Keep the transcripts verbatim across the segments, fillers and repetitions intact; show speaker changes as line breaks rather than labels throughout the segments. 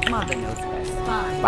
ไป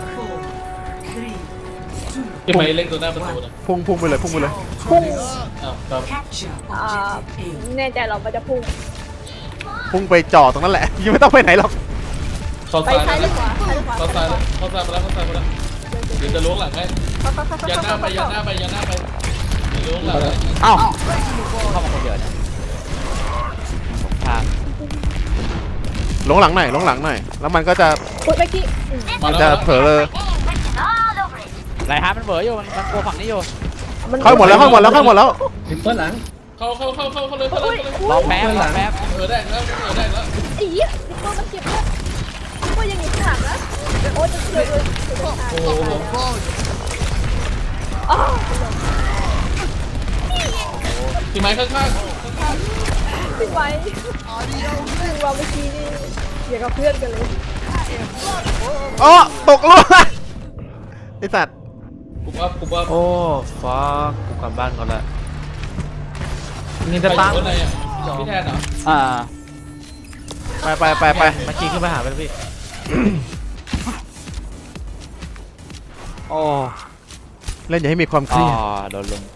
ที่ไปเล่นตัวหน้าประตูนะ
พุ่งพุ่งไปเลยพุ่งไปเลย
พุ่ง
อ้าวครับ
อ่าแน่ใจเรามันจะพุ่ง
พุ่งไปจ่อตรงนั้นแหละยังไม่ต้องไปไหนหรอก
เข้า
ไป
ซ้าย
ซ้ายหรือขวาซ้ายหรือขวา
เข้าซ้ายแล้วเข้าซ้ายมาแล้วเข้าซ้ายมาแล้วเดี๋ยวจะล้วงหลังให้
เข้าเข้าเข้าเข้า
ยันหน้าไปยันหน้าไปยันหน้าไปเดี๋ยวล้วงหลังให้
เอ้าเข้ามาคนเดียวเนี่ยสงคราม
หลงหลังหน่อยหลงหลังหน่อยแล้วมันก็จะ
พูดเมื่อกี้
มา
มัน
แล้ว
จะเผลอเลย
ไรฮะมันเบออยู่มันมันกลัวฝั่งนี้อยู่
เข้าหมดแล้วเข้าหมดแล้วเข้าหมดแล้ว
ลิปเปอร์หลัง
เข้าเข้าเข้าเข้าเข้าเลยเข้าเลยเข้าเลย
รอแป๊บรอแป๊บ
เออได้แล้วเออได้แล้ว
ไอ้เหี้ยตัวมันเจ็บเลยว่ายังอยู่ข้างหลังนะโอ้ยจะเสียเลย
โอ้โห
อ๋อ
ที่ไม้ข้างข้าง
ไม่ไหวคือว่าเมื่อกี้นี่อย่างกับเพื่อนกันเลย
อ๋อตกลงไอสัตว์
ปุ๊บอัพปุ๊บอัพ
โอ้ฟ้ากูกลับบ้านก่อนละนี่
ใคร
จะ
อยู่
ตั้ง
ข้างในอ่ะพี่แทนเหรอ
อ่า
ไปไปไปไป
เมื่อกี้ขึ้นไปหาไปแล้วพี่
โอ้
เล่นอย่าให้มีความเค
อ๋อ
รียด
โดนลง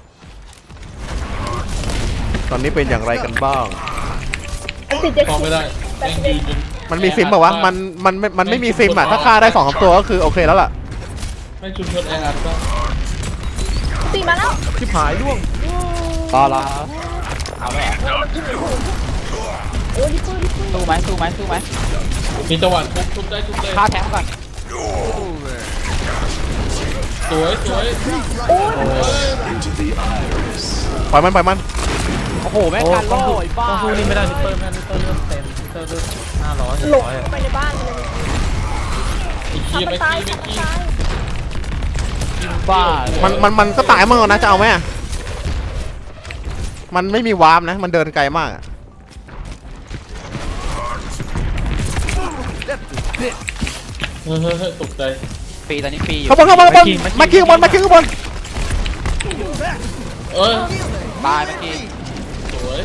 ตอนนี้เป็นอย่างไรกันบ้าง
อันติดเจ็ด
มอง
สิ
ไม่
บ
ได้แม่งยืนจน
มันมีซิมป่าวะมันมันมันมันไม่มีซิมอ่ะถ้าฆ่าได้สองสามตัวก็คือโอเคแล้วล่ะ
ไม่ชุมชนแออัดก็
ตีมาแล้ว
ชิบหายร่วง
ต่อละเอาเลย
โอ้ยดิปืนดิปืน
สู้ไหมสู้ไหมสู้ไหม
มีจังหวะทุบทุบได้ทุบเลย
ฆ่าแทงก่อน
สวยสวย
โอ้ย
ปล่อยมันปล่อยมัน
โอ้โหแม่งการโล่ไอ้บ้า
ต้องสู้นี่ไม่ได้ลิปเปอร์ไม่ได้ลิปเปอร์เลือดเต็มลิปเปอร์เลือดห้าร้อยหก
หลง
ร้อย
เข้าไปในบ้านเลย
อีกที
ทำมัน
ไม่
ตาย
กี้ไม่
ทำมัน
กี้
ตาย
บ้า
มันมันมันก็ตายมั่งนะจะเอาไหมอะมันไม่มีวาร์ปนะมันเดินไกลมากอะ
เฮ้ยเฮ้ยเฮ้ยตกใจ
ฟรีตอนนี้ฟรีอยู่
ข้างบนข้างบนข้างบนมาคิวข้างบนมาคิวข้างบน
เอ้ย
ตายเมื่อกี้
สวย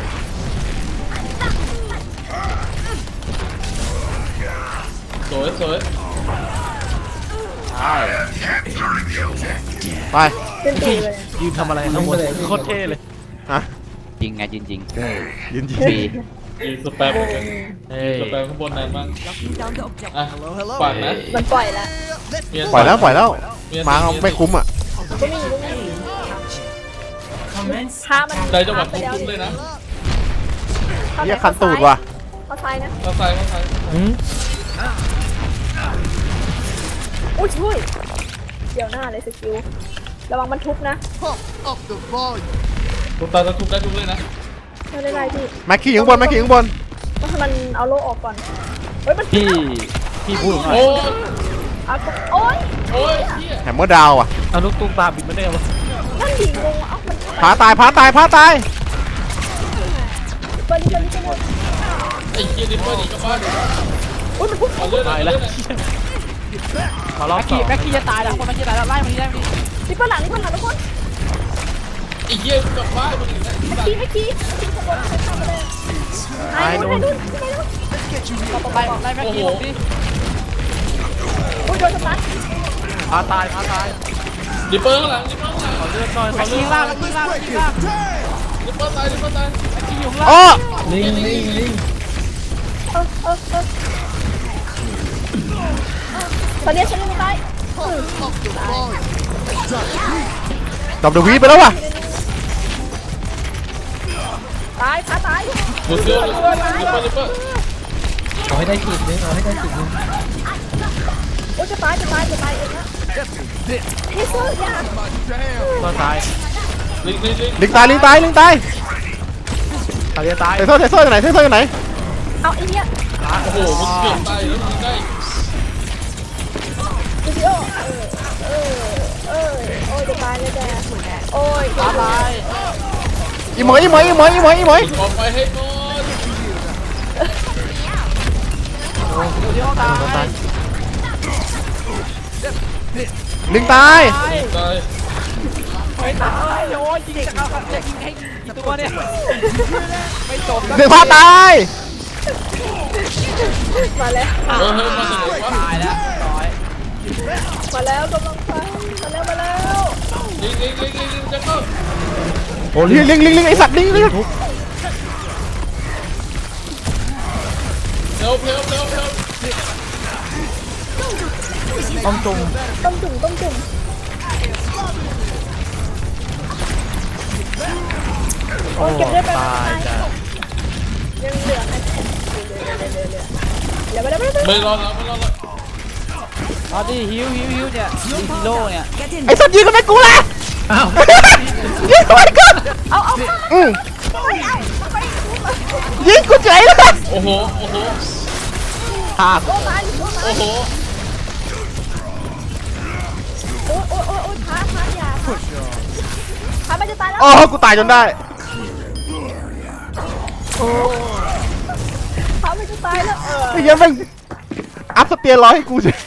สวยสวย
ใช่
ไป
เป็นตีเลย
ยืนทำอะไรข้างบนโคตรเท่เลย
ฮะ
จริงไงจริงจริง
ยืนยิง
ฟรี
ยืนสแปมเหมือนกัน
เฮ้ย
สแปมข้างบนนานมากอ่ะฝากนะ
มันปล่อยแล้ว
เมีน
ปล่อยแล้วปล่อยแล้ว
เน
มาเอาไม่คุ้มอ่ะ
ก็มีก็มีฆ่ามัน
ได้จังหวะ
ไป
ทุบ
แล้ว
ทุบเลยนะ
เรียกคันตูดว่ะ
เข้าซ้ายนะ
เข้าซ้ายเข้าซ้าย
หืม
อุ้ยช่วยเดี๋ยวหน้าเลยสกิลระวังมันทุบนะ
ทุบตาจะทุบได้ทุบเลยนะ
ไม่ได้ไรพี่
มาคิวอยู่ข้างบนมาคิวอยู่ข้างบน
ต้องให้มันเอาโล่ออกก่อนเฮ้ยมัน
พี่พี่พูดหน่อย
โอ้ย
เอาโอ้ย
โอ้ยเฮีย
แฮมเมอร์ดาวอ่ะ
เอาลูกตุ้มตาบินไม่ได้วะ
นั่นดิงงเอ้ามัน
พาตายพาตายพาตาย
เปิดดิเปิดดิเปิดดิ
ไอ้เฮียดิเปอร์หนีกลับบ้าน
อุ้ยมันทุบ
ขอเลือดหน่
ตา
อย ย
แล้ว
เลือดหน่อย
มารอบ
แม็ก
สอ
กี้
ง
แม็กกี้จะตายแล้วคนแม็กกี้ตายแล้วไล่มันนี้ไล่มันนี้
ดิเปิดหลังดิเปิดหลังทุกคน
ไอ้เฮียกลับบ้านมึงอีกแล้ว
เมื่อกี้เมื่อกี้ที่ขบวนใครเข้ามาเลยไอ้นู่นไอ้นู่นไอ้นู่น
ไล่ไล่แม็กกี้ผมดิ
อุ้ยโดนสตัน
พาตายพาตาย
ดิเปอร์ข้างหลังดิเปอร์ข้างหลัง
ขอเลือดหน่อยข
แม็
อก เลื
กี้
อด
ล่างแม็กกี้ล่างแม็กกี้ล่าง
ดิเปอร์ตายดิเปอร์ตาย
แม็กกี้อยู่ข้าง
อ๋
ล่า
อง
ลิงลิงลิง
เออเออเออตอนนี้ฉันยังไม่ตาย
ดับเดวีไปแล้วว่ะ
ตายขาตาย
ดูเสื้อดิเปอร์ดิเปอร์ดิเปอร์
เอาให้ได้ขีดนึงเอาให้ได้ขีดนึง
โอ้จะตายจะตายจะตายเองนะเฮเซอร์ยา
ก็ตาย
ลิงลิงลิง
ลิงตายลิงตายลิงตาย
ตายจะตาย
เทเซอร์เทเซอร์อยู่ไหนเทเซอร์อยู่ไหน
เอาไอ้เนี้ย
โอ้โหมึงเกือบตายแล้วมึงได้
วิดีโอเออเออโอ้ยจะตายเลยแกโอ้ย
ตายตาย
อีหมอยอีหมอยอีหมอยอีหมอยอีหมอย
ออกไปให้หมด
เดี๋ยวตาย
ลิงตาย
ตาย
ไม่ตายโอ้ยยิงจะเข้าจะยิงให้กี่ตัวเนี่ยไม่จบ
เด็กพาตาย
มาแล้ว
เฮ้ยเฮ้ยมาจากไหนวะ
ตายแล้วร้อย
มาแล้วกำลังไปมาแล้วมาแล้ว
ลิงลิงลิงลิงลิงจะเข้า
โอ้
ลิงลิงลิงลิงไอสัตว์ลิงลิง
เร็วเร็วเร็วเร็ว
ต้องจง
ต้มจุ่มต้มจุ่ม
โอ้
เก็บเลือดไป
ตายจ้ะ
ยังเหลือไหมเหลือเหลือเหลือเหลือเหลือเหลือไปแล้วไปแล้ว
ไม่รอแล้วไม่รอแล้ว
เอาดิฮิวฮิวฮิวเนี่ยฮิวฮีโร่เนี่ย
ไอสัตว์ยิงกันไม่กูละ
อ้าว
ยิงทำไมกู
เอาเอา
อืม
เอาไปเอาไป
ยิงกูเฉยเลย
โอ้โหโอ้โห
ฆ่า
โอ้ตายโอ้ตาย
โอ้โห
โอ้โอ้โอ้โอ้ท้าท้าอย่าท้ามันจะตายแล้ว
โอ้กูตายจนได้
ท้ามันจะตายแล้วเออ
ไอ้เหี้ยแม่งอัพสเตียรอยให้กูเฉย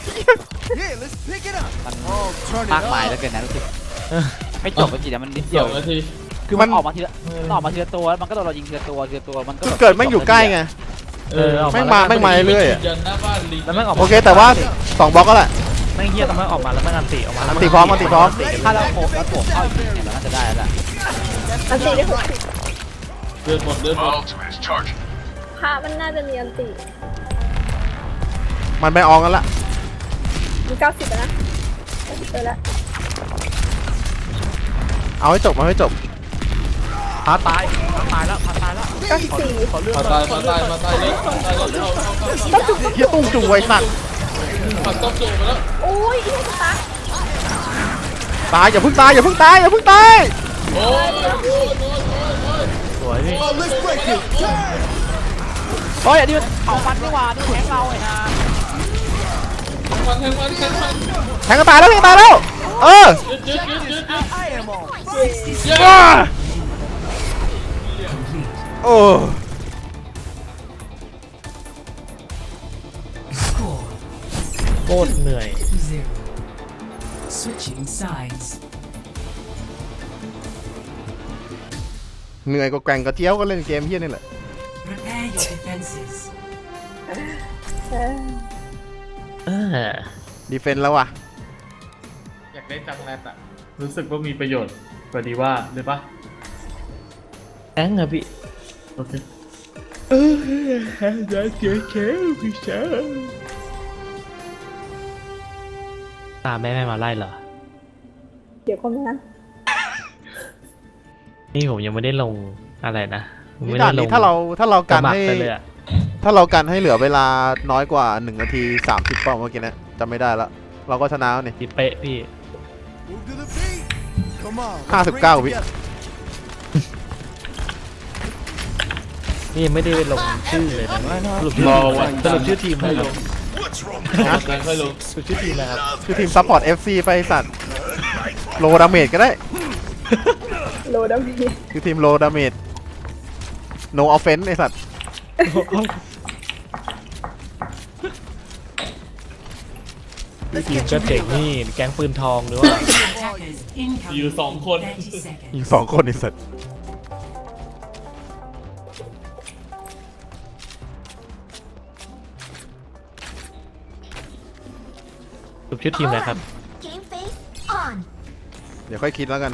มันมากมายแล้วเกินนะรู้สึกไม่จบไปจีนะมันนิด
ส
เดีย
อ
ว
งนาที
คือมันออกมาทีละมันออกมาทีละตัวแล้วมันก็โดนเรายิงทีละตัวทีละตัวมันก็
เกิดแม่งอยู่ใกล้ไง
เออออก
แม่ง
มา
มาแม่งมาเรื่อยๆอะ
ยันหน้าบ้านลิง
แล้วแม่งออก
โอเคแต่ว่าสองบล็อกก็แหละ
แม่งเฮียแต่แม่งออกมาแล้วแม่งอันติออกมาแล้ว
อันติพร้อมอันติพร้อม
ถ้าเราโขกแล้วโขกเข้าอีกทีเนี่ยเราน่าจะได้แล้วล่ะ
อันตีได้หกสิบ
เดินหมดเดินหมด
พระมันน่าจะมีอันตี
มันไปอองกันละ
มีเก้าสิบนะเก้าสิบไปแล้ว
เอาให้จบเอาให้จบ
พาตายพาตายแล้วพาตายแล้ว
เก้าสิบสี่
ขอเลือด
มาตายมาตายมาตายเลยมาตายเลยเข้าเข้าเข้า
ต้มจุ่ม
เฮียตุ้งจุงไว้สัตว์
ผัดต้มจุ่มไปแล้ว
โอ้ยอีกตา
ตายอย่าเพิ่งตายอย่าเพิ่งตายอย่าเพิ่งตาย
โอ้ยโอ้ยโอ้ยโอ้ย
สวยพี่
โอ้ย let's break it
โอ้ยอันนี้มันเผามันนี่หว่านี่แข็งเราไอ้ห่า
มันแทงมันแทงมัน
แทงก็ตายแล้วแทงก็ตายแล้วเออ
ยืดยืดยืดยืดยืด
ว้าโอ้
โคตรเหนื่อย
Zero. Switching sides.
เหนื่อยกว่าแกว่งกระเจี๊ยวก็เล่นเกมเฮียนี่แหละ
Prepare your defenses.
เออ
ดีเฟนต์แล้วว่ะ
อยากได้จังแรดอะรู้สึกว่ามีประโยชน์กว่าดีว่าหรือปะ
แองอะพี่
โอเค
ตามแม่แม่มาไล่เหรอ
เดี๋ยวก็มา
นี่ผมยังไม่ได้ลงอะไรนะผม
นี่
ไม่
ด่า
ได้
น
ล
นี้
ง
ถ้าเราถ้าเรา
ส
กัน
มัคร
ให้
ไปเลยอะ
ถ้าเรากันให้เหลือเวลาน้อยกว่าหนึ่งนาทีสามสิบเปล่าเมื่อกี้นะจำไม่ได้ละเราก็ชนะแล้วนี่
ที่เป๊ะพี่
ห้าสิบเก้าวิ
นี่ยังไม่ได้ลงชื่อเลยนะสรุปชื่อ
รอวัน
สรุปชื่อทีม
ค่
นะ
อย
ค
ล
รับ
งวันจันทร์ค่อยลง
สรุปชื่อทีมนะครับ
คือทีมซัพพอร์ต เอฟ ซี ไปสัตว์โลดาเมจก็ได้
โลดัมพี
คือทีมโลดาเมจ no offense ไอสัตว์
ทีมก็เจ๋งนี่แก๊งปืนทองหรือว่า
Attackers incoming.
อยู่สองคน
thirty seconds.
อีกสองคนไอสัตว์
สรุปชื่อทีมอะไรครับ
Game face on.
เดี๋ยวค่อยคิดแล้วกัน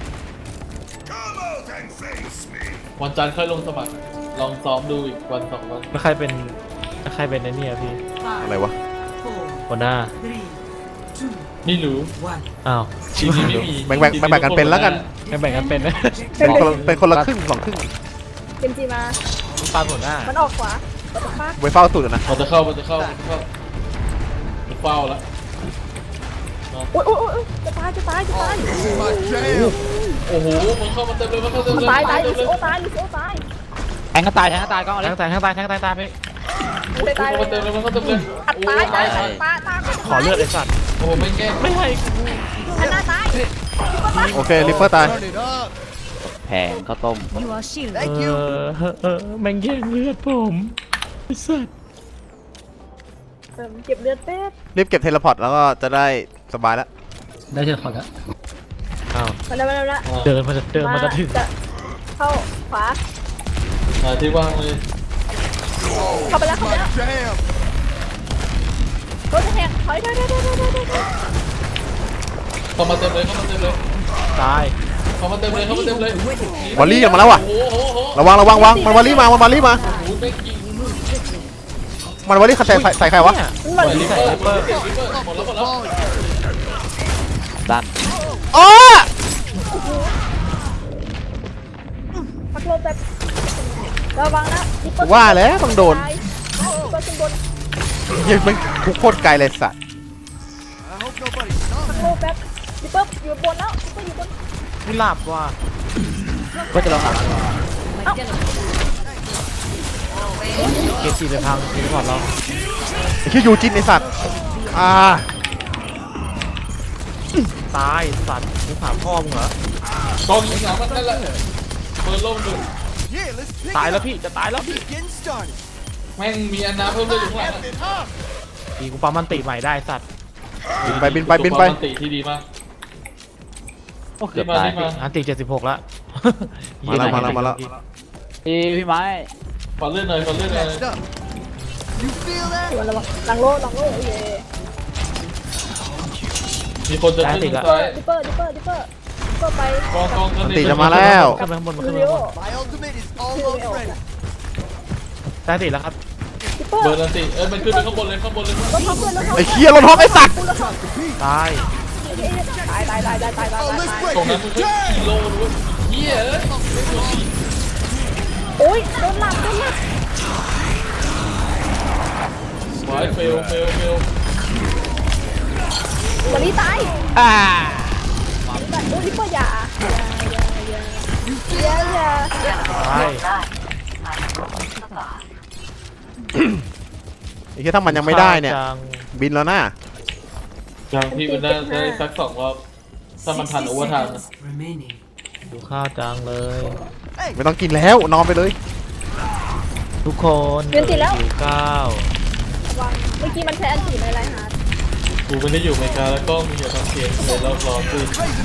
วันจันทร์ค่อยลงสมัคร ลองซ้อมดูอีกวันสองวัน
แล้วใครเป็นแล้วใครเป็นไอ้เนี่ยพี่
อะไรวะ
Four,
หัวหน้า
three, two,
ไม่รู้
one.
อ้าว
ทีมนี้ไม่มี
แบ่งแบ่งแบ่งแบ่งกันเป็นแล้วกัน
ไม่แบ่งกันเป็นนะ
เป็นคนละเป็นคนละครึ่งสองครึ่ง
เกมจีมา
ปาหัวหน้า
มันออกขวาปัดฟ้า
ไว้เฝ้าตุดอะนะ
มันจะเข้ามันจะเข้ามันจะเข้ามันเฝ้าแล้ว
โอ้ยโอ้ยโอ้ยจะตายจะตายจะตาย
โอ้โหมันเข้ามาเต็มเลยมันเข้าเต็ม
มัน
เลย
ตายตาย
เต็
ลิ
มเลย
โอตายลิโอตาย
แทงก็ตายแทงก็ตายก็เอาเล
แท
ย
งตายแทงตายแทงตายตายพี่
มันเลยตาย
มันเข้ามาเต็มเลยมันเข้าเต็มเลย
อัด
โอ้
ตาย
ตา
ตาย ย
ตาย
ตายตาย
ขอเลือดไอ้สัตว์
โอ้โหไม่แก้
ไม่ให้
อันหน้าตาย
โอเคลิปเปอร์ตาย
แผงข้าวต้ม
You are shielded.
เออเออเออแม่งแย่งเลือดผมไอ้สัตว์
เติมเก็บเลือดเป็ด
รีบเก็บเทเลพอร์ตแล้วก็จะได้สบายแล้ว
ได้เชิญขอแล้วอ้าว
มาแล้วมาแล้ว
เดินมาจะเดินมาจะถึง
เข้าขวา
หาที่ว่างเลย
เข้าไปแล้วเข้าไปแล้วโดนแทงถอยถอยถอยถอยถอยถอยถอย
เข้ามาเต็มเลยเข้ามาเต็มเลย
ตาย
เข้ามาเต็มเลยเข้ามาเต็มเลย
วอลลี่ออกมาแล้วว่ะ
โอ้โหโอ้โห
ระวังระวังวางมันวอลลี่มามันวอลลี่มา
โอ้โหเป๊กยิง
มันวอลลี่ใส่ใส่ใส่ใครวะ
มัน
ลิปเปอร์ลิปเปอร์ลิปเปอร์หมดแล้วหมดแล้ว
ดัน
อ๋อ
พักลมแบบระวังนะ
ว่าแล้วต้องโดน
ก็ขึ้นบน
ยังมันคุกโคตรไกลเลยสัตว์
พักลมแบบดิเปิ้ลอยู่บนแล้วดิเปิ้ลอยู่บน
ไม่หลับว่ะ
ก็จะลองหา
เกมจีไปพังทีก่อนเรา
ไอ้ชื่อยูจินไอสัตว์อ่า
ตายสัตว์กูถามพ่อมึงเหรอก
องยิงหลังมันนั่นแหละเปิดโล่งดู
ตายแล้วพี่จะตายแล้วพี่
แม่งมีอันน้ำเพิ่มด้วยอยู่ข้างหลังอะ
ดีกูปั๊มมันติใหม่ได้สัตว์
บินไปบินไปบินไป
ตัวปกติที่ดีมาก
โอ้เกือบตาย
รีบมา
อันติเจ็ดสิบหกแล้ว
มาแล้วมาแล้วมาแล้ว
พี่พี่ไม้
ขอเลื่อนหน่อยขอเลื่อนหน่อย
ส่วนระวังหลังโลหลังโลเย่
มีคนจะขึ้นทางซ้าย
ดิเปิ้ลดิเปิ้ลดิเปิ้ลดิเปิ้ลไป
กองกอง
มันตีจะมาแล้ว
ขึ้นไปข้างบนมาขึ้นไป
เร็ว
ข้างบน
คือไม่ออกอะ
ได้ติแล้วครับ
ดิเปิ้ล
เบอร์นันติเอ้ยมันขึ้นไปข้างบนเลยข้างบนเลย
รถท็อปเพื่อนรถท็อป
ไอ้เคียรถท็อปไอ้สัตว์
รถท็อป
ตาย
ตายตายตายตายตายตายตาย
ตรงนั้นมันขึ้นกิโลด้วยเฮียเอ้ย
โอ้ยโดนหลับโดนหลับ
ไว้เฟลเฟลเฟล
วันนี้ตาย
อ่า
แต่โอ้ยดิเปิ้ลอย่าอย่าอย่าอย่า
ตาย
ไอ้เคียถ้ามันยังไม่ได้เนี่ย
จัง
บินแล้วนะ
ยังพี่มันได้ได้สักสองรอบถ้ามันทันโอเวอร์ไทม์นะ
seconds remaining.
ดูข้าวจังเลย
ไม่ต้องกินแล้วนอนไปเลย
ทุกคนหิวข้าว
วางเมื่อกี้มันใช้อันตีในไรฮาร์ด
กูไม่ได้อยู่อเมริกาแล้วก็มีอยู่ทางเสียงเลยรอบรอคือ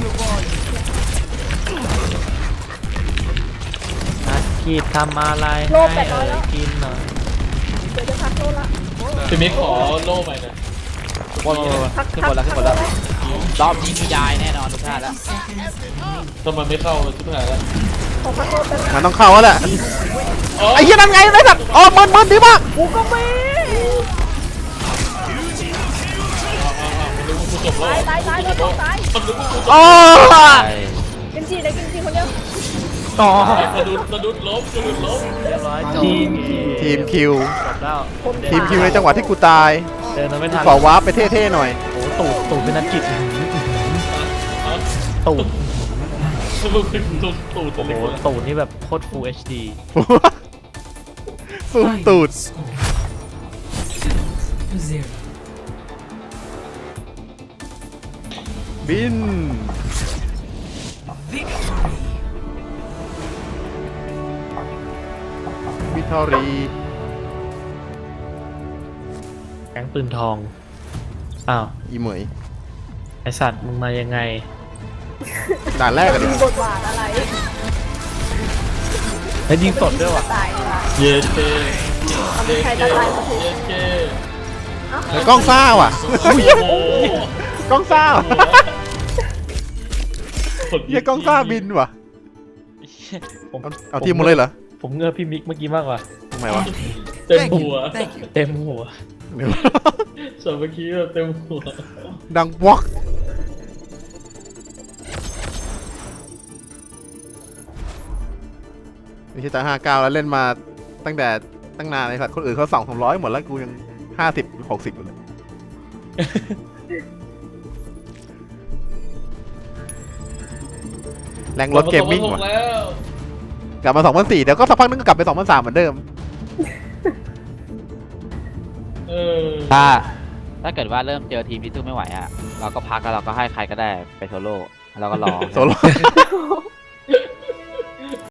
นัดขีดทำอะไรให้เอ่ยกินหน่อย
เดี๋ยวจะพักโลละ
พี่มิกขอโล่ใหม่หน่อย
บนขึ้นบนแล้วขึ้นบนแล้วรอบนี้มียายแน่นอนทุกท่านแล้ว
ถ้ามันไม่เข้าชิบหายแล้ว
ขอพักโลแป๊บ
มันต้องเข้าแล้วแหละ
อ๋อ
ไอ้เคียนั่นไงไอ้สัตว์อ๋อมันมันดีมาก
กูก็ไม่
มันรู้ว่ากูจบแล้ว
ตายตายตายรถตาย
มันรู้ว่ากูจบ
อ๋อ
กินจีได้กินจีคนเดียว
ต่อก
ระดุดกระดุดล้มกระดุดล้ม
เรียบร้อยทีม
ทีมคิว
จบแล้ว
ทีมคิวในจังหวะที่กูตาย
เดินมาไม่ทัน
ขอวาร์ปไปเท่ๆหน่อย
โอ้ตูดตูดเป็นนักกิจตูด
สรุปคือตูดตูด
โอ้โห
เลย
ตูดนี่แบบโคตร Full เอช ดี
สู้ตูด
Score. Two to zero.
บิน
Victory.
วิทอรี
แก๊งปืนทอง อ้าว
อีเหมย
ไอสัตว์มึงมายังไง
ด่านแรกกันดิ
มีบทบาทอะไร
แล้วยิงสดด้วยว่ะ
ตายเลยว่ะ
เย็นเจ
เอาไม่ใครจะตายมาถูก
เย็นเจ
แล้วกล้องซ่าว่ะ
โอ้โห
กล้องซ่าว่ะ
หัว
เฮียกล้องซ่าบินว่ะ
ผม
เอาเอาทีมหมดเลยเหรอ
ผมเงือบพี่มิกเมื่อกี้มากกว่า
ทำไมวะ
เต็มหัว
เต็มหัว
เดี๋ยว
สมัคคีแบบเต็มหัว
ดังวอกไม่ใช่แต่ห้าเก้าแล้วเล่นมาตั้งแต่ตั้งนานเลยครับคนอื่นเขาสองสามร้อยหมดแล้วกูยังห้าสิบหกสิบอยู่เลย แรงรถเกมมิ่งว่ะ
แล้ว
กลับมาสองพันสี่เดี๋ยวก็สักพักนึงก็กลับไปสองพันสามเหมือนเดิม
เออ
ถ้าถ้าเกิดว่าเริ่มเจอทีมที่สู้ไม่ไหวอ่ะเราก็พักแล้วเราก็ให้ใครก็ได้ไปโซโล่แล้วเราก็รอ
โซโล่